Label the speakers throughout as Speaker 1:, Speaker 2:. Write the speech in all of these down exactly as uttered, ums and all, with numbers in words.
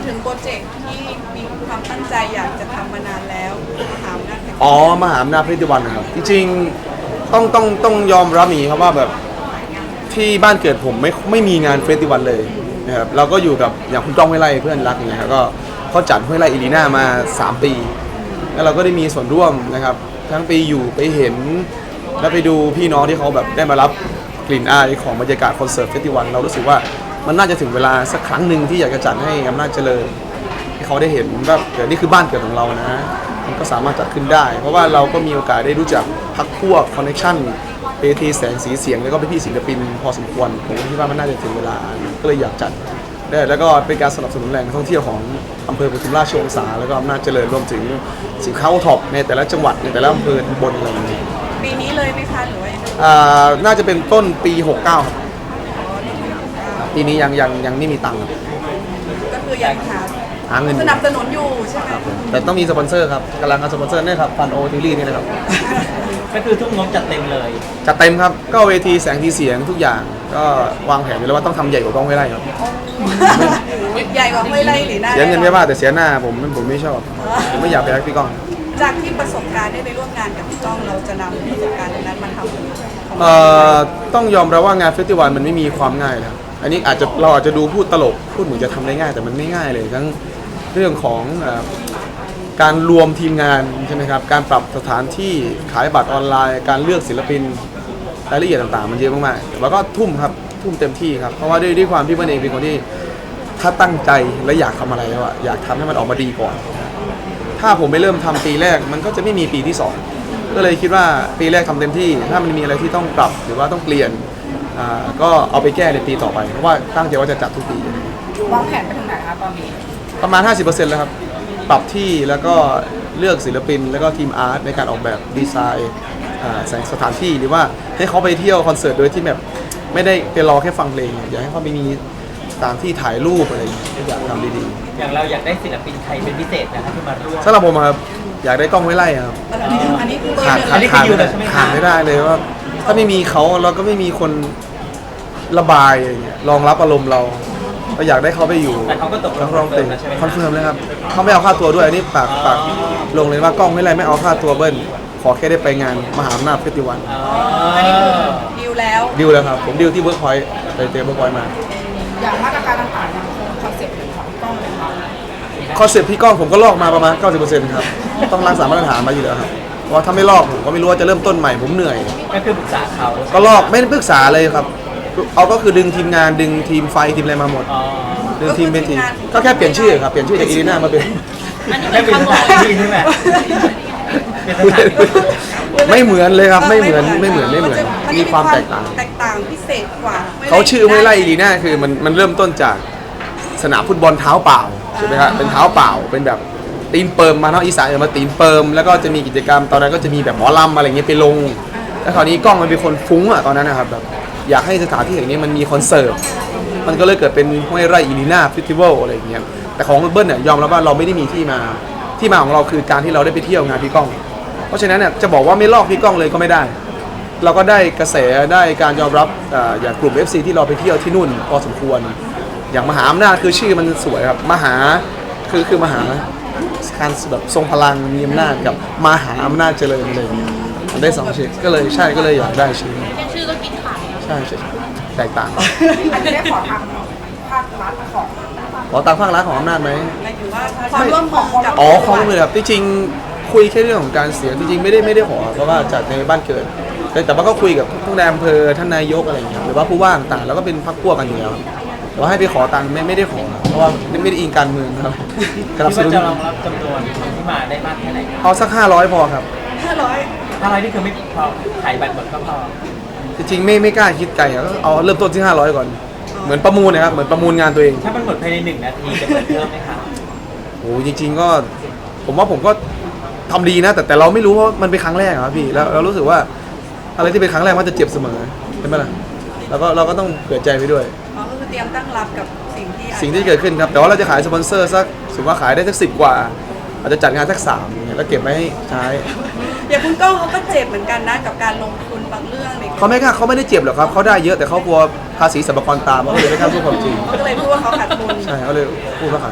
Speaker 1: ถึงโปรเจกต์ที่มีความตั้งใจอยากจะทำมานานแล้วมหาอำนาจแห่ง
Speaker 2: อ๋อมหาอำนาจเพชรวันนะครับจริงๆต้องต้องต้องยอมรับอย่างนี้ครับว่าแบบที่บ้านเกิดผมไม่ไม่มีงานเฟสติวัลเลยนะครับเราก็อยู่กับอย่างคุณก้องห้วยไร่เพื่อนรักอย่างเงี้ยครับก็เขาจัดห้วยไร่อีลีน่ามาสามปีแล้วเราก็ได้มีส่วนร่วมนะครับทั้งไปอยู่ไปเห็นแล้วไปดูพี่น้องที่เขาแบบได้มารับกลิ่นอายของบรรยากาศคอนเสิร์ตเฟสติวัลเรารู้สึกว่ามันน่าจะถึงเวลาสักครั้งหนึ่งที่อยากจะจัดให้อำนาจเจริญให้เขาได้เห็นว่าเดี๋ยวนี้คือบ้านเกิดของเรานะมันก็สามารถจัดขึ้นได้เพราะว่าเราก็มีโอกาสได้รู้จักพรรคพวกคอนเนคชั่นเวทีแสงสีเสียงแล้วก็พี่ศิลปินพอสมควรผมคิดว่ามันน่าจะถึงเวลาก็เลยอยากจัดได้แล้วก็เป็นการสนับสนุนแหล่งท่องเที่ยวของอำเภอปทุมราชวงศาแล้วก็อำนาจเจริญรวมถึงสินค้าโอท็อปในแต่ละจังหวัดในแต่ละอำเภอบนอะไรอย่างเงี้ย
Speaker 1: ปีนี้เลยไหมคะหรือว่ายังไง
Speaker 2: อ่าน่าจะเป็นต้นปีหกเก้าครับปีนี้ยังยังยังไม่มีตังค์ครับ
Speaker 1: ก็คือยังหา
Speaker 2: หาเงินอ
Speaker 1: ส
Speaker 2: ยู่
Speaker 1: นับสนุนอยู่ใช่ไหม
Speaker 2: แต่ต้องมีสปอนเซอร์ครับกำลังหาสปอนเซอร์เนี่ยครับฟันโอทีรีนี่นะครับ
Speaker 3: ก็คือทุกงบจัดเต็มเลย
Speaker 2: จัดเต็มครับก็เวทีแสงทีเสียงทุกอย่างก็วางแผนไว้แล้วว่าต้องทำใหญ่กว่าก้องห้วยไร่ครับ
Speaker 1: ใหญ่กว่าห้วยไร่หรือหน้า
Speaker 2: เสียเงินไม่ว่าแต่เสียหน้าผมผมไม่ชอบผมไม่อยากไปรักพี่ก้อง
Speaker 1: จากที่ประสบการณ์ได้ไปร่วมงานกับพี่ก้องเราจะนำประสบการณ์ตรงนั้นมาทำ
Speaker 2: เอ่อต้องยอมรับว่างานเฟสติวัลมันไม่มีความง่ายนะครับอันนี้อาจจะเราอาจจะดูพูดตลกพูดเหมือนจะทำได้ง่ายแต่มันไม่ง่ายเลยทั้งเรื่องของเอ่อการรวมทีมงานใช่ไหมครับการปรับสถานที่ขายบัตรออนไลน์ การเลือกศิลปินรายละเอียดต่างๆ มันเยอะมากๆแต่ว่าก็ทุ่มครับทุ่มเต็มที่ครับเพราะว่าด้วยด้วยความที่มันเองเป็นคนที่ถ้าตั้งใจและอยากทำอะไรแล้วอะอยากทำให้มันออกมาดีก่อน ถ้าผมไปเริ่มทำปีแรกมันก็จะไม่มีปีที่สองก็เลยคิดว่าปีแรกทำเต็มที่ถ้ามันมีอะไรที่ต้องปรับหรือว่าต้องเปลี่ยนอ่าก็เอาไปแก้ในปีต่อไปเพราะว่าตั้งใจว่าจะจัดทุกปี
Speaker 1: วางแผนไปถึงไหนคะตอนนี้
Speaker 2: ประมาณ ห้าสิบเปอร์เซ็นต์ แล้วครับปรับที่แล้วก็เลือกศิลปินแล้วก็ทีมอาร์ตในการออกแบบดีไซน์อ่าแสงสถานที่หรือว่าให้เขาไปเที่ยวคอนเสิร์ตโดยที่แบบไม่ได้ไปรอแค่ฟังเพลงอยากให้เขาไปมีสถานที่ถ่ายรูปอะไรอย่างเงี้ยอยากทำดีๆ
Speaker 3: อย่างเราอยากได้ศิลปินใครเป็นพิเศษนะคะที่มาร่วม
Speaker 2: สำหรับผมอะครับอยากได้กล้องห้วยไร่ครับ
Speaker 1: อันนี้อันนี้คือเบอ
Speaker 2: ขาด
Speaker 1: ร์ห
Speaker 2: ขาด
Speaker 1: นึ่ง
Speaker 2: ขาด
Speaker 3: อยู่
Speaker 2: ไม่
Speaker 3: เล
Speaker 2: ได้
Speaker 3: ยใช่ไหมคะ
Speaker 2: ขาดไม่ได้เลยว่าถ้าไม่มีเขาเราก็ไม่มีคนระบายอะไรเงี้ยรองรับอารมณ์เราเราอยากได้เขาไปอยู่
Speaker 3: แต่เขาก็ตกล
Speaker 2: นั
Speaker 3: ง
Speaker 2: กร้องเต็ม
Speaker 3: แล้วใช่ไหม
Speaker 2: คอนเฟิร์มเลยครับเขาไม่เอาค่าตัวด้วยอันนี้ปากปากลงเลยว่ากล้องห้วยไร่ไม่เอาค่าตัวเบิ้ลขอแค่ได้ไปงานมหาอำนาจเฟสติวัล
Speaker 3: อ๋อ
Speaker 1: อันนี้คือดีลแล้ว
Speaker 2: ดิวแล้วครับผมดิวที่เวิร์กพอยต์ไปเตะเวิร์กพอยต์มา
Speaker 1: อย่างมาตรการต่างๆยังคงคอนเซ็ปต์ของพี่ก้องเลยค่ะ
Speaker 2: คอนเซ็ปต์พี่ก้องผมก็ลอกมาประมาณ เก้าสิบเปอร์เซ็นต์ ครับต้องรักษามาตรฐานมาอยู่แล้วครับเพราะว่าถ้าไม่ลอกผมก็ไม่รู้ว่าจะเริ่มต้นใหม่ผมเหนื่อย
Speaker 3: ก็คือปรึกษาเขา
Speaker 2: ก็ลอกไม่ได้ปรึกษาเลยครับ เอาก็คือดึงทีมงานดึงทีมไฟทีมอะไรมาหมด
Speaker 3: อ๋อ
Speaker 2: ดึงทีมเป็นทีมก็แค่เปลี่ยนชื่อครับเปลี่ยนชื่อจากอีลีน่ามาเป็น
Speaker 3: ไม่เป็นสถานที่ใช่ไหมเป็นสถานที่
Speaker 2: ไม่เหมือนเลยครับไม่เหมือนไม่เหมือนไม่เหมือน
Speaker 1: จะ
Speaker 2: มีความแตกต่าง
Speaker 1: แตกต่างพิเศษกว่าห้วยไร่
Speaker 2: เขาชื่อห้วยไร่อีลีน่าคือมันมันเริ่มต้นจากสนามฟุตบอลเท้าเปล่าใช่ไหมครับเป็นเท้าเปล่าเป็นแบบตีนเปิมมาเนาะอีสานเอามาตีนเปิมแล้วก็จะมีกิจกรรมตอนนั้นก็จะมีแบบหมอลำอะไรเงี้ยไปลงแล้วคราวนี้กล้องมันเป็นคนฟุ้งอ่ะตอนนั้นนะครับแบบอยากให้สถานที่แห่งนี้มันมีคอนเสิร์ตมันก็เลยเกิดเป็นห้วยไร่อีลีน่าเฟสติวัลอะไรอย่างเงี้ยแต่ของเบิ้ลเนี่ยยอมรับว่าเราไม่ได้มีที่มาที่มาของเราคือการที่เราได้ไปเที่ยวงานพี่ก้องเพราะฉะนั้นเนี่ยจะบอกว่าไม่ลอกพี่ก้องเลยก็ไม่ได้ เราก็ได้กระแสได้การยอมรับอ่าอย่างกลุ่ม เอฟ ซี ที่เราไปเที่ยวที่นู่นพอสมควรอย่างมหาอำนาจคือชื่อมันสวยครับมหาคือคือมหาการแบบทรงพลังมีอำนาจกับมหาอำนาจเจริญเลยมันได้สองชื่อก็เลยใช่ก็เลยอยากได้ชื่อ
Speaker 4: แค่ชื่อก็กินขาดแล้ว
Speaker 2: ใช่ใช่แตกต่าง
Speaker 1: อันนี้ได้ขอทางภาครัฐของ
Speaker 2: ขอตังค์ภาครัฐของอำนาจไหม
Speaker 1: หมายถึงว่าความร่วมมือกับ
Speaker 2: อ๋อข้อมูลเลยครับที่จริงคุยแค่เรื่องของการเสียงจริงๆไม่ได้ไม่ได้ขอเพราะว่าจัดในบ้านเกิดแต่แต่ว่าก็คุยกับทุกนายอำเภอท่านนายกอะไรอย่างเงี้ยหรือว่าผู้ว่าต่างๆแล้วก็เป็นพรรคพวกกันอยู่แล้วครับแต่ว่าให้ไปขอตังค์ไม่ไม่ได้ขอเพราะว่าไม่ได้อิงการเมืองครับสนับ
Speaker 3: คิด
Speaker 2: ส
Speaker 3: ว่า
Speaker 2: นุน
Speaker 3: จะรองรับจำนวนคนที่มาได้มากแค่ไหน
Speaker 2: เอาสักห้าร้อยพอครับ
Speaker 1: ห้าร้อย
Speaker 3: ถ้าอะไรนี่คือไม่พอขายบัตรหมดก็พอ
Speaker 2: จริงๆไม่ไม่กล้าคิดไกลอะก็เอาเริ่มต้นที่ห้าร้อยก่อนเหมือนประมูลนะครับเหมือนประมูลงานตัวเอง
Speaker 3: ถ้ามันหมดภายในหนึ่งนาทีจะเปิดเพิ่มไหมคะ
Speaker 2: โอ้จริง ๆก็ผมว่าผมก็ทำดีนะ แต่แต่เราไม่รู้ว่ามันเป็นครั้งแรกอะครับพี่แล้วเรารู้สึกว่าอะไรที่เป็นครั้งแรกมันจะเจ็บเสมอใช่ไหมล่ะแล้วก็เราก็ต้องเผื่อใจไปด้วย
Speaker 1: อ๋อก็คือเตรียมตั้งรับกับสิ่งที่อาจจะ
Speaker 2: สิ่งที่เกิดขึ้นครับแต่ว่าเราจะขายสปอนเซอร์สักสมมติว่าขายได้สักสิบกว่า อาจจะจัดงานสักสามอย่างเงี้ยแล้วเก็บไว้ให้ใช้
Speaker 1: อย่างคุณก้องเขาก็เจ็บเหมือนกันนะกับการลงทุนบางเรื่องเนี่ย
Speaker 2: เขาไม่กล้าเขาไม่ได้เจ็บหรอกครับเขาได้เยอะแต่เขากลัวภาษีสรรพากรตามเขาเลยไม่กล้าพูดความจริง
Speaker 1: เขาก็เลยพูดว่าเขาขาดทุน
Speaker 2: ใช่เขาเลยพูดว่าขาดทุน
Speaker 1: เอ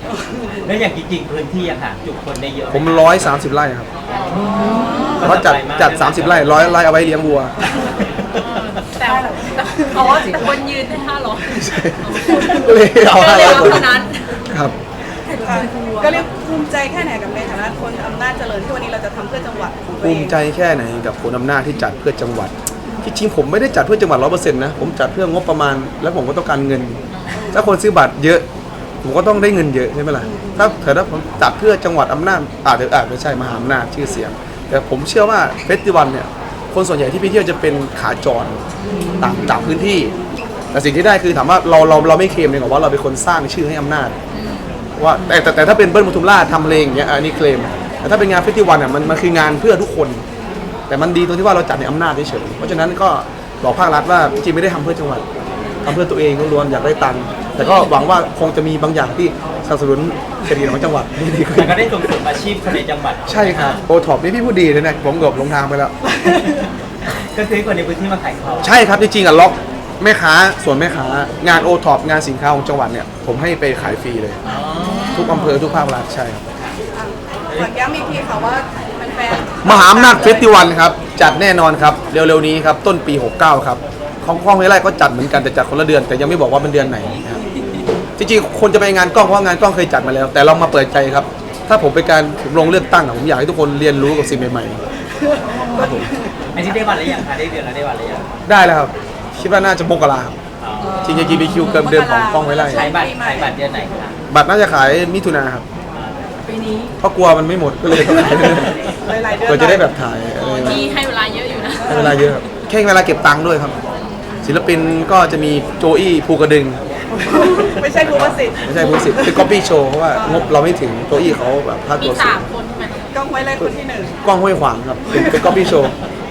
Speaker 3: แล้วอย่างจริงๆพื้นที่อะค่ะจุคนได้เยอะไห
Speaker 2: ผมร้อยสามสิบไร่ครับเพราะจัดจัดสามสิบไร่ร้อยไร่เอาไว้เลี้ยงวัว
Speaker 4: แต่อ๋อแต่คนยืนได้ห้าร้อย
Speaker 2: ก็เลยเอา
Speaker 4: ก็
Speaker 2: ห้า
Speaker 4: เลย
Speaker 2: ร้อย
Speaker 4: เอา
Speaker 2: คน
Speaker 4: เท่านั้น
Speaker 2: ครับ
Speaker 1: ค่ะก็เรียกภูมิใจแค่ไหนกับในฐานะคนอำนาจเจริญที่วันนี้เราจะทำเพื่อจังหวัดของตัว
Speaker 2: ภู
Speaker 1: เอง
Speaker 2: มิใจแค่ไหนกับคนอำนาจที่จัดเพื่อจังหวัดที่จริงผมไม่ได้จัดเพื่อจังหวัดร้อยเปอร์เซ็นต์นะผมจัดเพื่องบประมาณ แล้วผมก็ต้องการเงิน ถ้าคนซื้อบัตรเยอะ ผมก็ต้องได้เงินเยอะใช่ไหมล่ะถ้าเกิดว่าผมจัดเพื่อจังหวัดอำนาจอาจจะอาจไม่ใช่มหาอำนาจชื่อเสียง แต่ผมเชื่อว่าเฟสติวัลเนี่ยคนส่วนใหญ่ที่ไปเที่ยวจะเป็นขาจรต่างจากพื้นที่ แต่สิ่งที่ได้คือถามว่าเราเราเราไม่เคลมเลยหรอกว่าเราเป็นคนสร้างชื่อให้อำนาจว่าแต่แต่แต่ถ้าเป็นเบิ้ลปทุมราชทำเพลงอย่างเงี้ยอันนี้เคลมแต่ถ้าเป็นงานเฟสติวัลเนี่ยมันมันคืองานเพื่อทุกคน แต่มันดีตรงที่ว่าเราจัดในอำนาจเฉยๆเพราะฉะนั้นก็บอกภาครัฐว่าจริงๆไม่ได้ทำเพื่อจังหวัดทำเพื่อตัวเองล้วนๆอยากได้ตังค์แต่ก็หวังว่าคงจะมีบางอย่างที่สนับสนุนเศรษฐกิจของจังหวัดให้ดีขึ้
Speaker 3: แต่
Speaker 2: น
Speaker 3: ก็ได้ส่งเสริมอาชีพคนในจังหวัด
Speaker 2: ใช่ครับโอท็อปนี่พี่พูดดีเลยนะผมเกือบลงทางไปแล้ว
Speaker 3: ก็คือให้คนในพื้นที่มาขายของ
Speaker 2: ใช่ครับจริงๆอ่ะล็อกแม่ค้าส่วนแม่ค้างานโอท็อปงานสินค้าของจังหวัดเนี่ยผมให้ไปขายฟรีเลย
Speaker 3: อ๋อ
Speaker 2: ทุกอำเภอทุกภาครัฐใช่ครับ
Speaker 1: ฝากย้ำอีกทีค่ะว่าแฟนๆ
Speaker 2: มหาอำนาจเฟสติวัลครับจัดแน่นอนครับเร็วๆนี้ครับต้นปีหกเก้าครับของกล้องห้วยไร่ก็จัดเหมือนกันแต่จัดคนละเดือนแต่ยังไม่บอกว่าเป็นเดือนไหนนะครับจริงๆคนจะไปงานกล้องเพราะงานกล้องเคยจัดมาแล้ว แต่เรามาเปิดใจครับถ้าผมไปการลงเลือกตั้งอะผมอยากให้ทุกคนเรียนรู้กับสิ่งใหม่ๆครับผม
Speaker 3: อันนี้ได้วันหรือยังคะได้เดือนแล้วได้วันหรือยัง
Speaker 2: ได้แล้วครับคิดว่าน่าจะมกราครับ
Speaker 3: อ๋อ
Speaker 2: จริงๆ จี บี คิว เกินเดือนของกล้องห้วยไร่
Speaker 3: ขายบัตรขายบัตรเดือนไหนคะ
Speaker 2: บัตรน่าจะขายมิถุนาครับ
Speaker 1: ปีนี้
Speaker 2: เพราะกลัวมันไม่หมดก็เลยต้องขายเรื่อย
Speaker 1: หลายๆเดื
Speaker 2: ๆ
Speaker 1: อน
Speaker 2: เพื่อจะได้แบบถ่ายอะไร
Speaker 4: ที่ให้เวลาเยอะอยู่นะ
Speaker 2: ให้เวลาเยอะครับแค่เวลาเก็บตังค์ด้วยครับ ศิลปินก็จะมีโจอี้ภูกระดึง
Speaker 1: ไม่ใช่ภูมิสิทธิ์
Speaker 2: ไม่ใช่ภูสิทธิ์เป็นก๊อปปี้โชว์เพราะว่างบเราไม่ถึงโจอี้เขาแบบพลาด
Speaker 4: มี
Speaker 2: ตัวสู
Speaker 4: สาง มคนใช่ไหม
Speaker 1: กล้องไว้เลยคนที่หนึ่ง
Speaker 2: กล้องห้วยขวางครับเป็นเป็นก๊อปปี้โชว์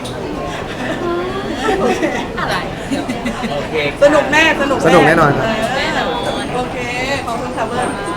Speaker 4: อะไร
Speaker 3: โอเค
Speaker 1: สนุกแน่สนุก
Speaker 2: สนุกแน่นอนครับ
Speaker 1: เโอเค ขอบคุณค่ะเบิร์